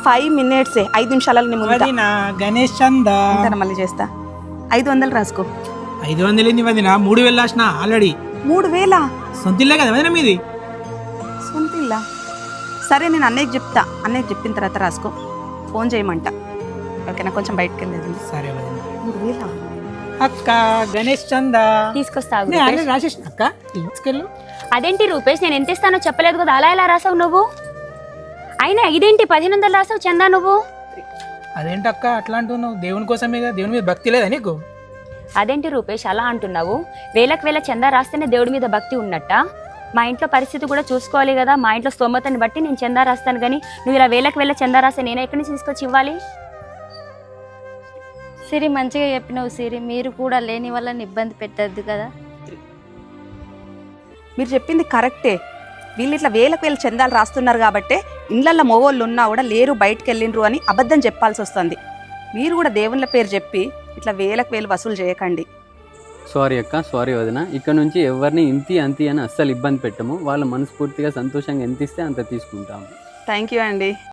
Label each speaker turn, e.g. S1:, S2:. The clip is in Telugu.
S1: 5 minutes 5 నిమిషాలలో నీ ముందు
S2: వదినా గణేష్ చందా
S1: మళ్ళీ చేస్తా 500 రాసుకో
S2: 500 ఏంది వదినా 3000 రాసిన ఆల్రెడీ
S1: 3000
S2: సొంత ఇల్లే కదా వదినా మీది
S1: సొంత ఇల్లా సరే నేను అన్నయ్యకి చెప్తా అన్నయ్యకి చెప్పిన తర్వాత రాసుకో ఫోన్ చేయమంట ఓకేనా కొంచెం బయటకు వెళ్ళేది
S2: సరే వదినా
S1: 3000
S2: అక్క గణేష్ చందా
S3: తీసుకొస్తా ఆగు
S2: నేను
S3: రూపేష్.
S2: ఆల్రెడీ రాసేసిన అక్క తీసుకెళ్ళు
S3: అదేంటి రూపేష్ నేను ఎంత ఇస్తానో చెప్పలేదు కదా అలా ఎలా రాసావు నువ్వు అయినా ఇదేంటి 1500 రాసావు చందా నువ్వు
S2: అదేంటక్క అట్లా అంటున్నావు దేవుని కోసమే కదా దేవుని మీద భక్తి లేదా నీకు
S3: అదేంటి రూపేష్ అలా అంటున్నావు వేలకు వేల చందా రాస్తేనే దేవుడి మీద భక్తి ఉన్నట్ట మా ఇంట్లో పరిస్థితి కూడా చూసుకోవాలి కదా మా ఇంట్లో స్తోమతని బట్టి నేను చందా రాస్తాను కానీ నువ్వు ఇలా వేలకు వేల చందా రాస్తే నేను ఎక్కడి నుంచి తీసుకొచ్చి ఇవ్వాలి
S4: సిరి మంచిగా చెప్పినావు సిరి మీరు కూడా లేని వాళ్ళని ఇబ్బంది పెట్టద్దు కదా
S1: మీరు చెప్పింది కరెక్టే వీళ్ళు ఇట్లా వేలకు వేలు చందాలు రాస్తున్నారు కాబట్టి ఇళ్ళల్లో మొగోళ్ళు ఉన్నా కూడా లేరు బయటకు వెళ్ళిండ్రు అని అబద్ధం చెప్పాల్సి వస్తుంది మీరు కూడా దేవుళ్ళ పేరు చెప్పి ఇట్లా వేలకు వేలు వసూలు చేయకండి
S5: సారీ అక్క సారీ వదిన ఇక్కడ నుంచి ఎవరిని ఇంతి అంతి అని అస్సలు ఇబ్బంది పెట్టము వాళ్ళు మనస్ఫూర్తిగా సంతోషంగా ఎంత ఇస్తే అంత తీసుకుంటాము
S1: థ్యాంక్ యూ అండి